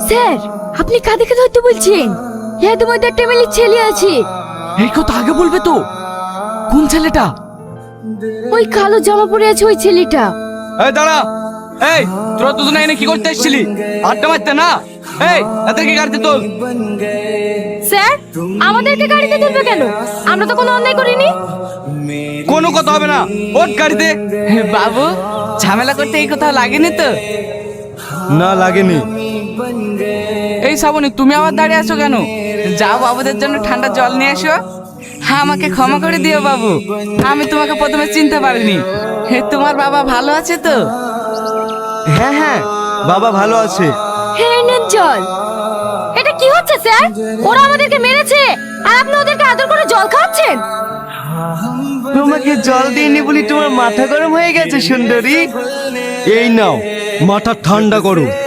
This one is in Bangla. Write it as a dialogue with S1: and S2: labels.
S1: স্যার, আপনি কাদেরকে ধরতে বলছেন? এদের মধ্যে একটা মেয়ে ছেলে আছে।
S2: এই কথা আগে বলবে তো। কোন ছেলেটা?
S1: ওই কালো জামা পরে আছে ওই ছেলেটা।
S2: এই দাঁড়া। এই তোরা দুজনে এনে কি করতে এসেছিলি? আড্ডা মারতে না? এই এদেরকে গাড়িতে তোল।
S1: স্যার, আমাদেরকে গাড়িতে তুলবে কেন? আমরা তো কোনো অন্যায় করিনি।
S2: কোনো কথা হবে না, ওঠ গাড়িতে।
S3: বাবু, ঝামেলা করতে এই কোথাও লাগেনি তো?
S4: না লাগেনি।
S3: এই শ্রাবণী, তুমি আবার দাঁড়িয়ে আছো কেন? যাও বাবুদের জন্য ঠান্ডা জল নিয়ে এসো। হ্যাঁ, আমাকে ক্ষমা করে দিও বাবু, আমি তোমাকে প্রথমে চিনতে পারিনি। হে, তোমার বাবা ভালো আছে তো?
S4: হ্যাঁ হ্যাঁ, বাবা ভালো আছে।
S1: হ্যাঁ, নেন জল। এটা কি হচ্ছে স্যার? ওরা আমাদেরকে মেরেছে আর আপনি ওদেরকে আদর করে জল খাওয়াচ্ছেন।
S4: তোমাকে জল দিইনি বলি তোমার মাথা গরম হয়ে গেছে সুন্দরী। এই নাও, মাথা ঠান্ডা করো।